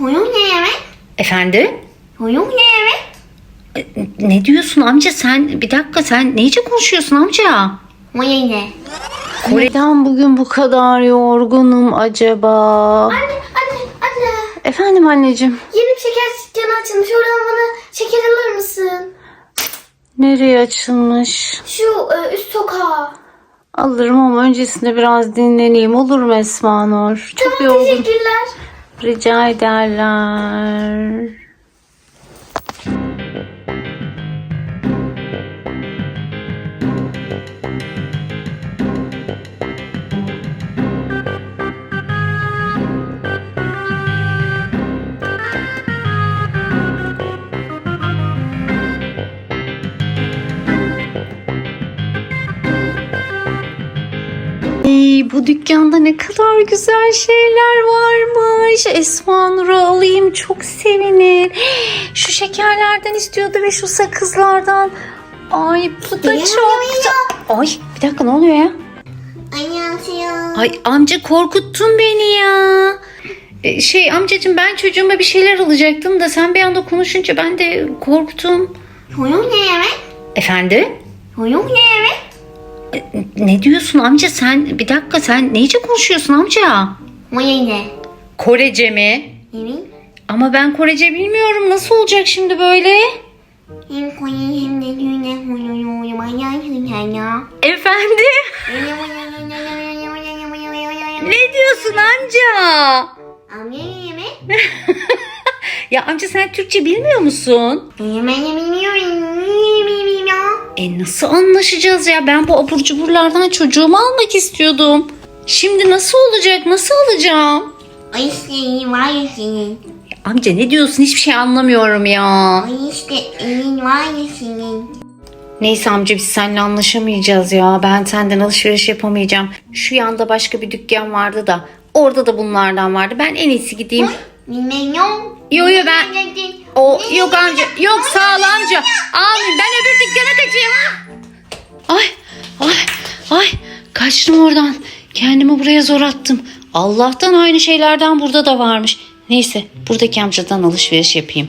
Efendim? Ne diyorsun amca sen? Bir dakika, sen neyce konuşuyorsun amca? Neden bugün bu kadar yorgunum acaba? Anne. Efendim anneciğim. Yeni bir şeker dükkanı açılmış. Oradan bana şeker alır mısın? Nereye açılmış? Şu üst sokağa. Alırım ama öncesinde biraz dinleneyim, olur mu Esma Nur? Çok Tamam, yorgun. teşekkürler. Rica ederler. Bu dükkanda ne kadar güzel şeyler varmış. Esma Nur'u alayım, çok sevinir. Şu şekerlerden istiyordu ve şu sakızlardan. Ay bu da çok güzel. Ay bir dakika, ne oluyor ya? Ay amca, korkuttun beni ya. Amcacığım, ben çocuğuma bir şeyler alacaktım da sen bir anda konuşunca ben de korktum. Efendim? Ne diyorsun amca sen? Bir dakika, sen neyce konuşuyorsun amca? Korece mi? Ama ben Korece bilmiyorum. Nasıl olacak şimdi böyle? Efendim? Ne diyorsun amca? Ya amca, sen Türkçe bilmiyor musun? Nasıl anlaşacağız ya? Ben bu abur cuburlardan çocuğumu almak istiyordum. Şimdi nasıl olacak? Nasıl alacağım? Amca ne diyorsun? Hiçbir şey anlamıyorum ya. Neyse amca, biz seninle anlaşamayacağız ya. Ben senden alışveriş yapamayacağım. Şu yanda başka bir dükkan vardı da orada da bunlardan vardı. Ben en iyisi gideyim. Yo ben... Yok amca. Yok, sağ ol amca. Amin, ben öbür dükkana kaçayım. Ay. Kaçtım oradan. Kendimi buraya zor attım. Allah'tan aynı şeylerden burada da varmış. Neyse, buradaki amcadan alışveriş yapayım.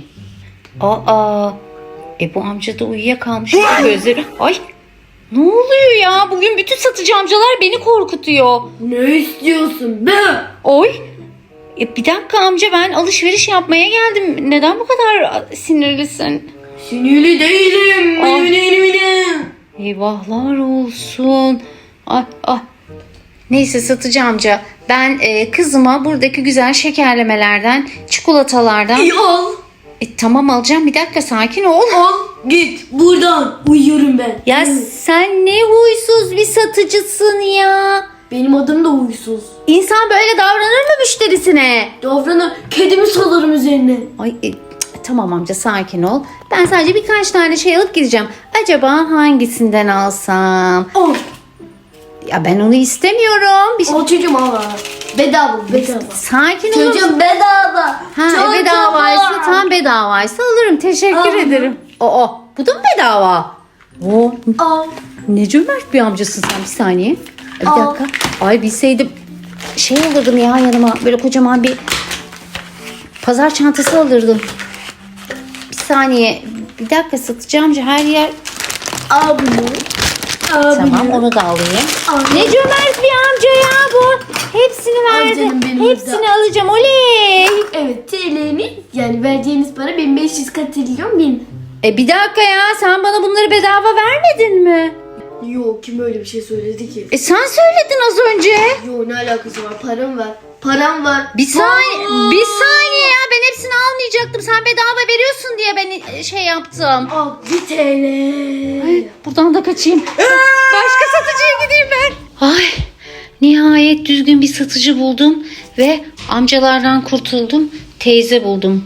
Bu amca da uyuyakalmış. Gözleri. Ay. Ne oluyor ya? Bugün bütün satıcı amcalar beni korkutuyor. Ne istiyorsun be? Oy. Bir dakika amca, ben alışveriş yapmaya geldim. Neden bu kadar sinirlisin? Sinirli değilim. Eyvahlar olsun. Ay. Neyse satıcı amca, ben kızıma buradaki güzel şekerlemelerden, çikolatalardan... Al. Tamam, alacağım, bir dakika, sakin ol. Al git buradan, uyuyorum ben. Ya sen ne huysuz bir satıcısın ya. Benim adım da huysuz. İnsan böyle davranır mı müşterisine? Davranır, kedimi salarım üzerine. Ay tamam amca, sakin ol. Ben sadece birkaç tane şey alıp gideceğim. Acaba hangisinden alsam? Al. Ya ben onu istemiyorum. Al çocuğum, al. Bedava. Sakin ol. Çocuğum bedava. Bedavaysa, tam bedavaysa alırım. Teşekkür ederim. Bu da mı bedava? Al. Ne cömert bir amcasın sen, bir saniye. Bir dakika. Ay bilseydim alırdım ya yanıma. Böyle kocaman bir pazar çantası alırdım. Bir saniye. Bir dakika, satıcı amca her yer... Al bunu. Tamam, onu da alayım. Ne cömert bir amca ya bu. Hepsini verdi. canım benim, Hepsini alacağım. Oley. Evet, TL'ni yani vereceğiniz para 1500 katrilyon bin. Bir dakika ya, sen bana bunları bedava vermedin mi? Yok, kim öyle bir şey söyledi ki? Sen söyledin az önce. Yok, ne alakası var? Param var. Bir saniye ya, ben hepsini almayacaktım. Sen bedava veriyorsun diye ben yaptım. Al 1 TL. Ay, buradan da kaçayım. Başka satıcıya gideyim ben. Ay, nihayet düzgün bir satıcı buldum ve amcalardan kurtuldum. Teyze buldum.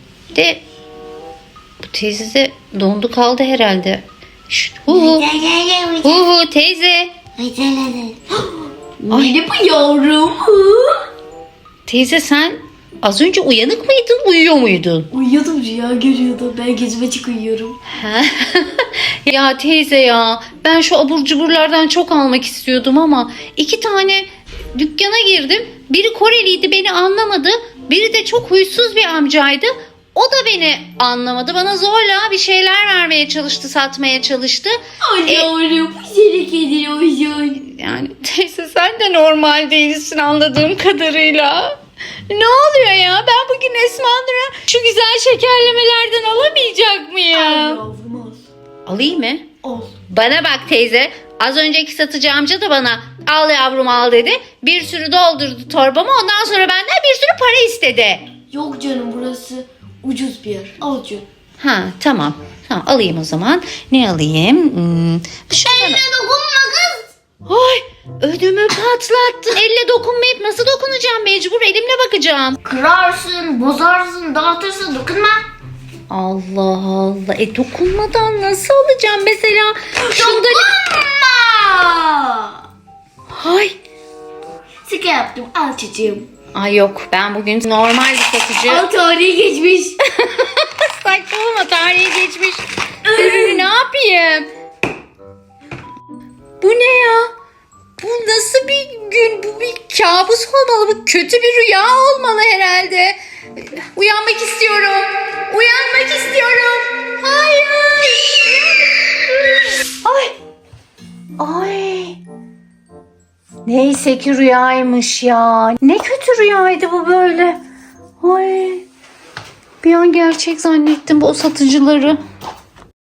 Bu teyze de dondu kaldı herhalde. Teyze. Neydi bu yavrum? Teyze, sen az önce uyanık mıydın, uyuyor muydun? Uyuyordum, rüya görüyordum. Ben gözüm açık uyuyorum. Ya teyze ya, ben şu abur cuburlardan çok almak istiyordum ama 2 tane dükkana girdim. Biri Koreliydi, beni anlamadı. Biri de çok huysuz bir amcaydı. O da beni anlamadı. Bana zorla bir şeyler vermeye çalıştı, satmaya çalıştı. Yavrum güzel kedi olsun. Yani teyze sen de normal değilsin anladığım kadarıyla. Ne oluyor ya? Ben bugün Esma Nur'a şu güzel şekerlemelerden alamayacak mıyım? Yavrum ol. Alayım mı? Ol. Bana bak teyze. Az önceki satıcı amca da bana al yavrum al dedi. Bir sürü doldurdu torbama. Ondan sonra benden bir sürü para istedi. Yok canım burası ucuz bir yer. Al canım. Ha tamam. Tamam alayım o zaman. Ne alayım? Şundan... dokunma kız. Ay ödümü patlattın. Elle dokunmayıp nasıl dokunacağım? Mecbur elimle bakacağım. Kırarsın, bozarsın, dağıtırsın, dokunma. Allah Allah. Dokunmadan nasıl alacağım mesela? Şunda... Dokunma. Ay. Sıkı yaptım. Al çocuğum. Ay yok ben bugün normal bir satıcı. Al tarihi geçmiş. Saçmalama tarihi geçmiş. Ürünü ne yapayım? Bu ne ya? Bu nasıl bir gün? Bu bir kabus olmalı. Bu kötü bir rüya olmalı herhalde. Uyanmak istiyorum. Uyanmak istiyorum. Hayır. Ay. Ay. Neyse ki rüyaymış ya. Ne kötü rüyaydı bu böyle. Ay. Bir an gerçek zannettim bu satıcıları.